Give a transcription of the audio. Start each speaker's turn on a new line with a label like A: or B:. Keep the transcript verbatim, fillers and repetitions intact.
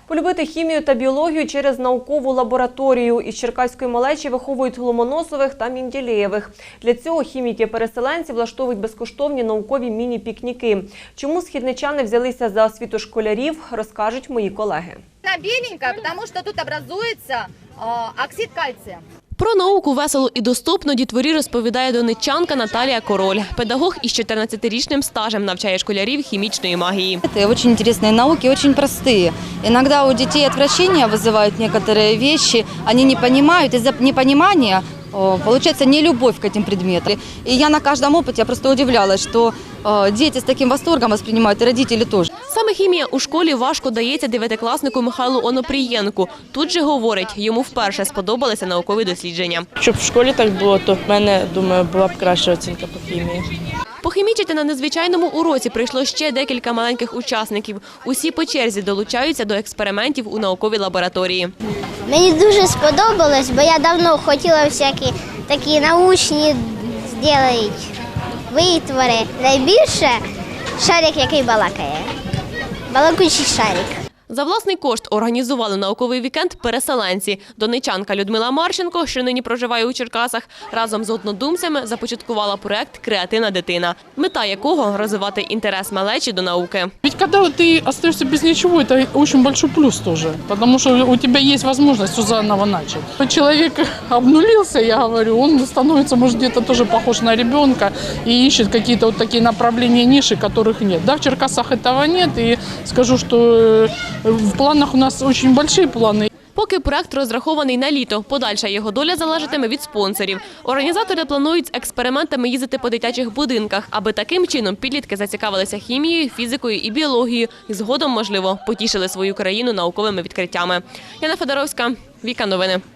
A: Полюбити хімію та біологію через наукову лабораторію. Із черкаської малечі виховують Ломоносових та Менділеєвих. Для цього хіміки-переселенці влаштовують безкоштовні наукові міні-пікніки. Чому східничани взялися за освіту школярів, розкажуть мої колеги.
B: Она беленькая, потому что тут образуется э, оксид кальция.
C: Про науку весело і доступно дітворі розповідає донеччанка Наталія Король. Педагог із чотирнадцятирічним стажем навчає школярів хімічної магії.
D: Это очень интересные науки, очень простые. Иногда у детей отвращение вызывают некоторые вещи, они не понимают, из-за непонимания получается нелюбовь к этим предметам. И я на каждом опыте я просто удивлялась, что дети с таким восторгом воспринимают, и родители тоже.
C: Саме хімія у школі важко дається дев'ятикласнику Михайлу Онопрієнку. Тут же говорить, йому вперше сподобалися наукові дослідження.
E: Щоб в школі так було, то в мене, думаю, була б краща оцінка по хімії.
C: Похімічити на незвичайному уроці прийшло ще декілька маленьких учасників. Усі по черзі долучаються до експериментів у науковій лабораторії.
F: Мені дуже сподобалось, бо я давно хотіла всякі такі научні зробити витвори. Найбільше шарик, який балакає. Балакучий шарик.
C: За власний кошт організували науковий вікенд переселенці. Донеччанка Людмила Марченко, що нині проживає у Черкасах, разом з однодумцями започаткувала проект «Креативна дитина», мета якого – розвивати інтерес малечі до науки.
G: Ведь когда ты остаешься без ничего, это очень большой плюс тоже, потому что у тебя есть возможность все заново начать. Человек обнулился, я говорю, он становится, может, где-то тоже похож на ребенка и ищет какие-то вот такие направления, ниши, которых нет. Да, в Черкасах этого нет, и скажу, что в планах у нас очень большие планы.
C: Поки проект розрахований на літо, подальша його доля залежатиме від спонсорів. Організатори планують з експериментами їздити по дитячих будинках, аби таким чином підлітки зацікавилися хімією, фізикою і біологією і згодом, можливо, потішили свою країну науковими відкриттями. Яна Федоровська, Віка Новини.